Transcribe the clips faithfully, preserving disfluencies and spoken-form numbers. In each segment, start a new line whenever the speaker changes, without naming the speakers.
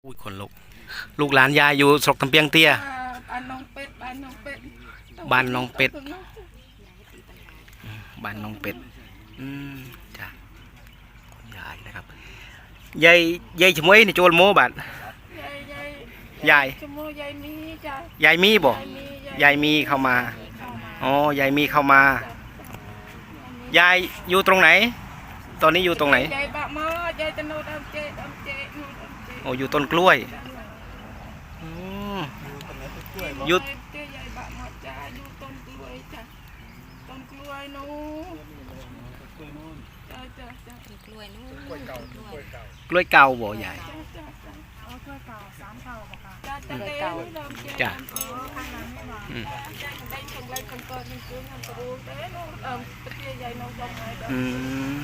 อุ้ยคนลูกลูกหลานยายอยู่ศกตำเปียงเตี้ย
บ้านน้องเป็ดบ้านน้องเป็ด
บ้านน้องเป็ดบ้านน้องเป็ดอืมจ้ะคุณยายนะครับยายยายชมวยนี่โจรโมบัด
ยายยาย
ยาย
ชมยายมีจ้ะ
ยายมีบ่ยายมีเข้ามาอ๋อยายมีเข้ามายายอยู่ตรงไหนตอนนี้อยู่ตรงไหน
ยายบะมอยายจะโนดำเจดำเจโนดำเจ
โอ้อยู่ต้นกล้วยอืมอยู่
ยายบะมอจ้าอยู่ต้นกล้วยจ้ะต้นกล้วยนู้จ้าจ้าจ้ากล้วยนู้กล้วยเก่ากล้วยเก่าก
ล้วยเก่าบ่ยาย
จ้าจ้าจ้ากล้วยเก่าสามเก่าบ่ค่ะจ้าจ้า
เก่าจ้ะ
อืมได้ชงไรคนก่อนนี่คือทำกระดูกเด้โนเอ่อปะเตี้ยยายน้องดำไง
อืม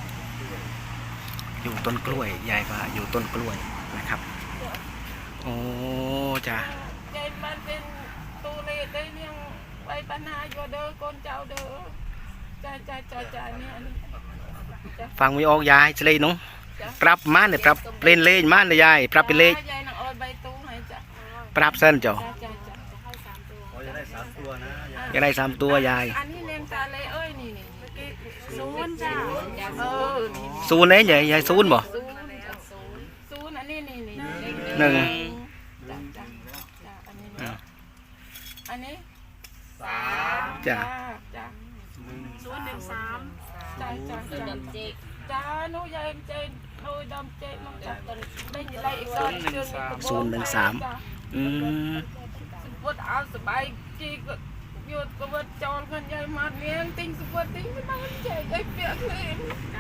อยู่ต้นกล้วยยายว่าอยู่ต้นกล้วยนะครับโอ้จ้ะ
ยายมันเป็นตูเลได้เลี้ยงไว้ปัญหาอยู่เด้อคนเจ้าเด้อจ้าจ้าจ้าจ้าเนี่ย
ฟังไม่ออกยายจะเลยน้องปรับมาเนี่ยปรับเล่นเล่นมาเนี่ยยายปรับเป็นเล่น
ยายน้องออยใบตูให้จ้ะ
ปรับเส้นจ้ะ
จ้าจ้าจ้าให้สามตัว
จะได้สามตัวนะ
อยากได้สามตัวยาย
อันนี้เลี้ยงตาเลยเอ้ยนี่นี่เมื่อกี้ศูนย์จ้าเออ
ศูนย์ไหนยายยายศูนย์บ่
ศูนย์ศูนย์ศูนย์อันนี้นี่นี่
หนึ่ง
จ้าจ้าจ้าอันนี้อันนี้สาม
จ้า
จ้าศูนย์หนึ่งสามจ้าจ้าจ้าจ้าหนูยายเจนหนูดำเจนน้องจับกันได้ได้อีกตอนเดือน
ศูนย์หนึ่งสามอืม
สมบูรณ์เอาสบายจีก็หยุดก็ว่าจอนกันยายมาเลี้ยงติ้งสมบูรณ์ติ้งไม่ต้องใจใจเปียกเลย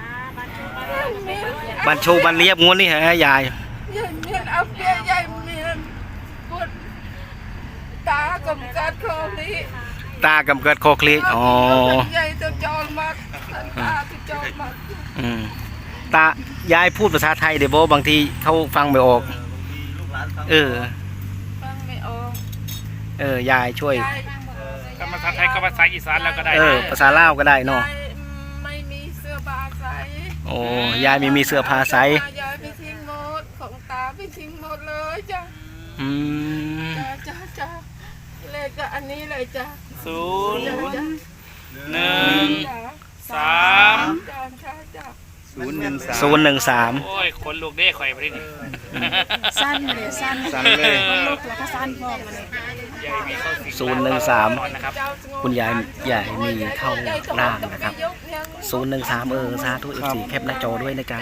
บันโชบันเรียบงวดนี่ฮะยาย
ยายเมียนเอาเปียยายเมียนปวดตากำกัดคอนี้
ตากำเกิดคอคลีอ๋อ
ใหญ่จะจอนมากตาจะจอนมาก
อืมตายายพูดภาษาไทยเดี๋ยวบางทีเขาฟังไม่ออกเออ
ฟังไม่ออก
เออยายช่วย
ก็ภาษาไทยก็ภาษาอีสานแล้วก็ได้
เออภาษาลาวก็ได้เนาะ
ไม่มีเสื้อผ้าใส่
โอ้ยายไม่มีเสื้อผ้าใส่
ยายไปทิ้งหมดของตาไปทิ้งหมดเลยจ้ะ
อืม
จ้าจ้าจ้าเลขก็อันนี้เลยจ้ะ
ศูนย์หนึ่งสาม
จ้าจ้าจ้า
ศูนย์หนึ่งสาม
ศูนย์หนึ่งสาม
โอ้ยคนลูกเด้ข่อยไปดิ
สั้นเลยสั้น
สั้นเลย
ลูกแล้วก็สั้นพอมาเลย
ศูนย์หนึ่งสามคุณยายยายมีเข้าล่างนะครับศูนย์หนึ่งสามเออสาธุเอฟซีแคปหน้าจอด้วยนะจ๊ะ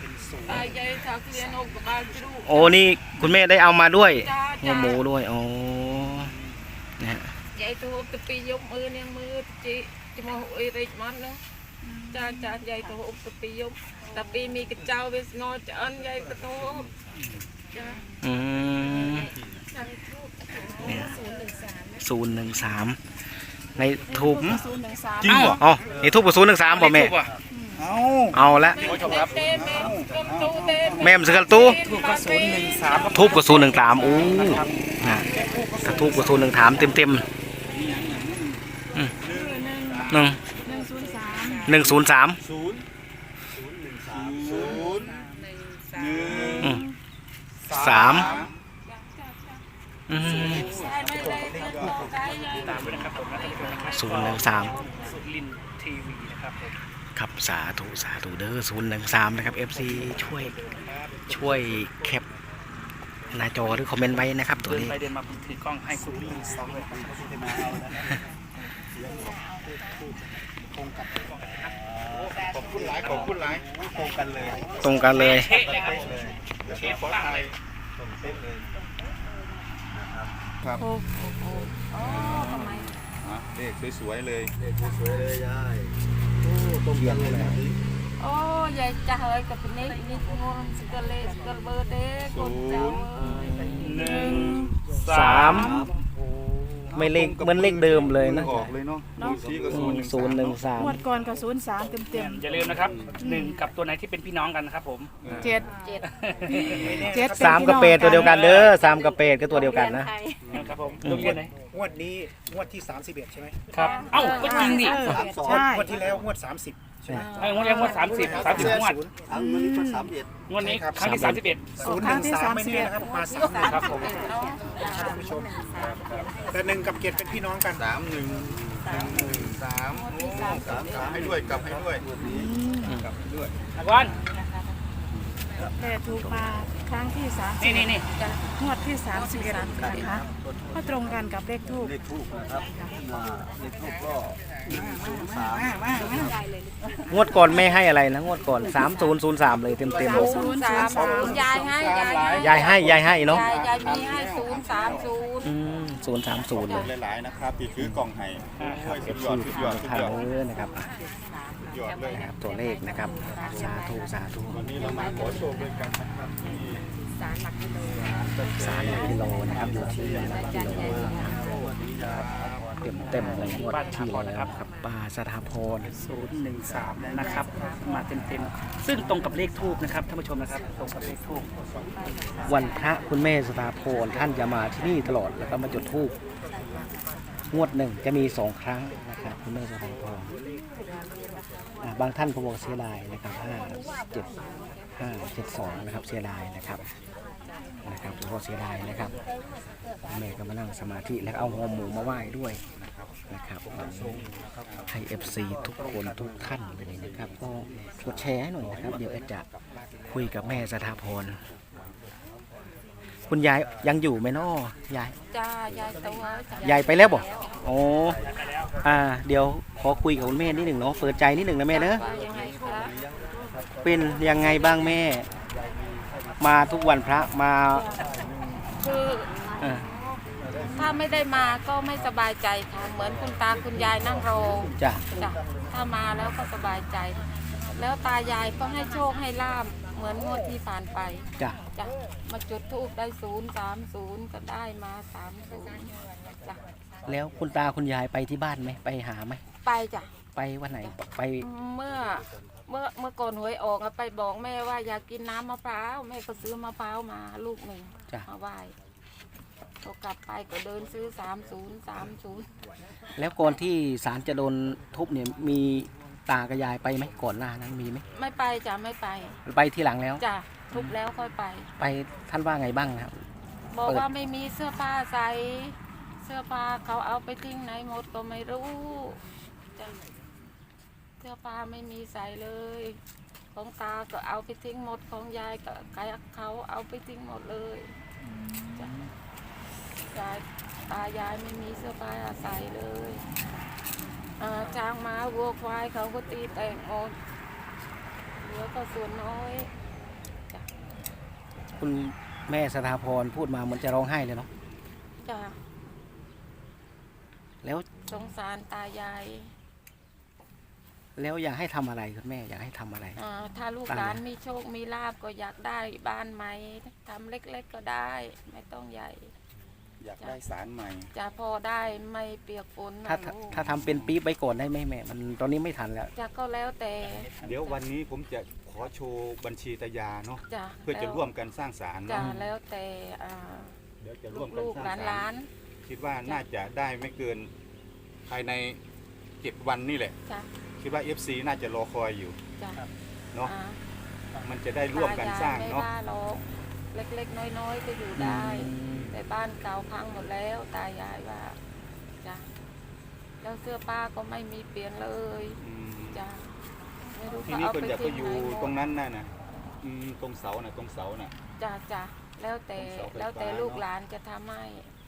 โอ้นี่คุณแม่ได้เอามาด้วยหัวหมูด้วยอ๋อนะฮะ
ยายตัวตะปียกมือเนี่ยมือจีจะมาหุยริมันเนาะจ้าจ้ายายตัวอุปปียกตะปีมีกระเจ้าเวสงอจะอันยายกระโตจ้า
อืมเนี่ยศูนย์หนึ่งสามในทูบ
จริงเหรอ
อ๋อในทูบกับศูนย์หนึ่งสามบอกแม่
เอา
เอาละแม่มสกัดตู้
ทูบกับศูนย์หนึ่งสาม
ทูบกับศูนย์หนึ่งสามโอ้นะกระทูบกับศูนย์หนึ่งสามเต็มเต็มหนึ่งหนึ่งศูนย์สาม
ศูนย์หนึ่งสามศูนย์หนึ่ง
สามศูนย์หนึ่งสาม
ลินทีวีนะครับ
ครับสาธุสาธุเด้อศูนย์หนึ่งสามนะครับเอฟซีช่วยช่วยแคปหน้าจอหรือคอมเมนต์ไว้นะครับตัวนี้
ไปเดินมาถือกล้องให้คุณพี่สองเลยขอบคุณหลายขอบคุณหลายตรงกันเลย
ตรงกันเลย
เช็คเลยครับเช็คฝรั่งเลยตรงเช็คเลยครับ
โอ้โหอ๋อทำไม
เลขสวยๆเลยเลขสวยๆเลยยายโอ้ตรงกันเลย
โอ้ยายจะเฮ้ยกับนี้นี่งงสกเลสกเบอร์เด้คนเจ้า
หนึ่ง
สามไม่เลขเหมือนเลขเดิมเลยนะ
ออกเลยเนาะ
ศูนย์หนึ่งสาม
งวดก่อนกับศูนย์สามเต็มเต็ม
อย่าลืมนะครับหนึ่งกับตัวไหนที่เป็นพี่น้องกันนะครับผม
เจ็ดเจ็ดเจ็ด
สามกับเป็ดตัวเดียวกันเด้อสามกับเป็ดก็ตัวเดียวกัน
นะครับผมโรงเรียนไหน
งวดนี้งวดที่สามสิบเอ็ดใช่ไหม
ครับเอ้าก็จริงดิ
ใช่งวดที่แล้วงวดสามสิบไอ้งวดนี้งวดสามสิบสามสิบงวด
อันนี้ก็สามเอ็ด
งวดนี้ครั้งที่สามสิบเอ็ด
ศูนย์หนึ่งสามไม่แน่นะครับมาสาม
ครับผม
ท่านผู้ชมแต่หนึ่งกับเกียรติเป็นพี่น้องกัน
สามหนึ่งหนึ่งหนึ่งสามโอ้สามสามให้ด้วยกลับให้ด้วยกลับให้ด้วย
วัน
แต่ถูกมาครั้งที่สาม
นี่นี่นี่
งวดที่สามสิบเอ็ดนะคะก็ตรงกันกับเลขทูป
เลขทูบนะครับอ่าเลขทูบก็หนึ่งศูนย์สาม
งวดก่อนแม่ให้อะไรนะงวดก่อนสามศูนย์ศูนย์สามเลยเต็มเต็ม
ศูนย์สามศูนย์ยายให้ยายให้
ยายให้ยายให้เนาะ
ยายยายมีให้ศูนย์สามศูนย์
อืมศูนย์สามศูนย์เลย
หลายๆนะครับที่ถือกล่องไห้ช่วย
เอ
สุ
ฟ
ดย
ซี
อดสุดยอดสุด
ทาง
ยอด
เนื้อนะครับอ่ะ
ยอดเลย
นะครับตัวเลขนะครับสาธุสาธุ
วันนี้เรามาขอโชคด้วยกันนะครับที่
สามหลักกิโลนะครับอยู่ที่หลักกิโลเต็มเต็มๆเลยงวดที่แล้วครับป้าสถาพร
ศูนย์หนึ่งสามนะครับมาเต็มเต็มๆซึ่งตรงกับเลขทูบนะครับท่านผู้ชมนะครับตรงกับเลขทูบ
วันพระคุณแม่สถาพรท่านจะมาที่นี่ตลอดแล้วก็มาจุดธูปงวดหนึ่งจะมีสองครั้งนะครับคุณแม่สถาพรอ่าบางท่านก็บอกเสียดายนะครับห้าเจ็ดห้าเจ็ดสองนะครับเสียดายนะครับนะครับก็เสียดายนะครับคุณแม่ก็มานั่งสมาธิแล้วเอาหัวหมูมาไหว้ด้วยนะครับให้ เอฟ ซี ทุกคนทุกท่านเลยนะครับก็กดแชร์ให้หน่อยนะครับเดี๋ยวแอดจะคุยกับแม่สถาพรคุณยายยังอยู่ไหมน้อยาย
จ้ายายตัวจ้ะ
ยายไปแล้วบ่โอ้อ่าเดี๋ยวขอคุยกับคุณแม่นิดหนึ่งเนาะเปิดใจนิดหนึ่งนะแม่เนอะ
ว่ายังไงคะ
เป็นยังไงบ้างแม่ มาทุกวันพระมา
คือ
เออ
ถ้าไม่ได้มาก็ไม่สบายใจค่ะเหมือนคุณตาคุณยายนั่งรอ
จ้ะ
จ้ะถ้ามาแล้วก็สบายใจ แล้วตายายก็ให้โชคให้ลาบเหมือนงวดที่ผ่านไป
จ้ะ
จ้ะมาจุดธูปได้ศูนย์สามศูนย์ก็ได้มาสามศูนย์จ้ะ
แล้วคุณตาคุณยายไปที่บ้านไหมไปหาไหม
ไปจ้ะ
ไปวันไหนไป
เมื่อเมื่อเมื่อก่อนหวยออกอะไปบอกแม่ว่าอยากกินน้ำมะพร้าวแม่ก็ซื้อมะพร้าวมาลูกหนึ่ง
จ้ะ
มาไหว้พอกลับไปก็เดินซื้อสามศูนย์สามศูนย์
แล้วก่อนที่ศาลจะโดนทุบเนี่ยมีตากับยายไปไหมก่อนหน้านั้นมีไหม
ไม่ไปจ้ะไม่ไป
ไปที่หลังแล้ว
จ้ะทุบแล้วค่อยไป
ไปท่านว่าไงบ้างนะครับ
บอก
เปิด
ว่าไม่มีเสื้อผ้าใส่เสื้อผ้าเขาเอาไปทิ้งไหนหมดก็ไม่รู้จ้ะเสื้อผ้าไม่มีใส่เลย ของตาก็เอาไปทิ้งหมดของยายก็เขาเอาไปทิ้งหมดเลยจ้ะยายตายายไม่มีเสื้อผ้าใส่เลยอ่าช้างม้าวัวควายเขาก็ตีแตกหมดเหลือก็ส่วนน้อยจ้ะ
คุณแม่สถาพรพูดมาเหมือนจะร้องไห้เลยเนาะ
จ้ะ
แล้ว
สงสารตายาย
แล้วอยากให้ทำอะไรคุณแม่อยากให้ทำอะไร
อ่าถ้าลูก
ตั้ง
หลาน
นะ
มีโชคมีลาบก็อยากได้บ้านใหม่ทำเล็กๆก็ได้ ไม่ต้องใหญ่
อยากได้สารใหม่
จะพอได้ไม่เปียกฝนนะ
ถ้าถ้า
ลูก
ถ้าทำเป็นปี๊บไว้ก่อนได้ไหมแม่มันตอนนี้ไม่ทันแล้ว
จะก็แล้วแต่
เดี๋ยววันนี้ผมจะขอโชว์บัญชีตายาเนาะ
จะ
เพื่อจะร่วมกันสร้างศาล
จะ
เนาะ
แล้วแต่อ่า
เดี๋ยวจะร่วมกัน
ลูก
ส
ๆ
ร้าง
หลา
ศาล
น
คิดว่าน่าจะได้ไม่เกินภายในเจ็ดวันนี่แหละ
ๆจะ
คิดว่า เอฟ ซี น่าจะรอคอยอยู่
จะ
เนาะ
อ่า
มันจะได้ร่วมกันสร้าง
ตยยไม่
เนาะ
ว่าหรอกเล็กๆ น้อยๆ ก็อยู่ได้ แต่บ้านเก่าพังหมดแล้วตายายว่าจ้ะแล้วเสื้อผ้าก็ไม่มีเปลี่ยนเลย
อืม
จ้ะไม่รู้
ที
เขา
นี้
เอา
คน
ไป
จะไป
ทิ้ง
อยู่
ไหนหมด
ตรงนั้นน่ะนะอืมตรงเสาน่ะตรงเสาน่ะ
จ้ะจ้ะแล้วแต่
เป็นเสาไฟฟ้า
แล้วแต่ลูกหลานจะทำให้
อ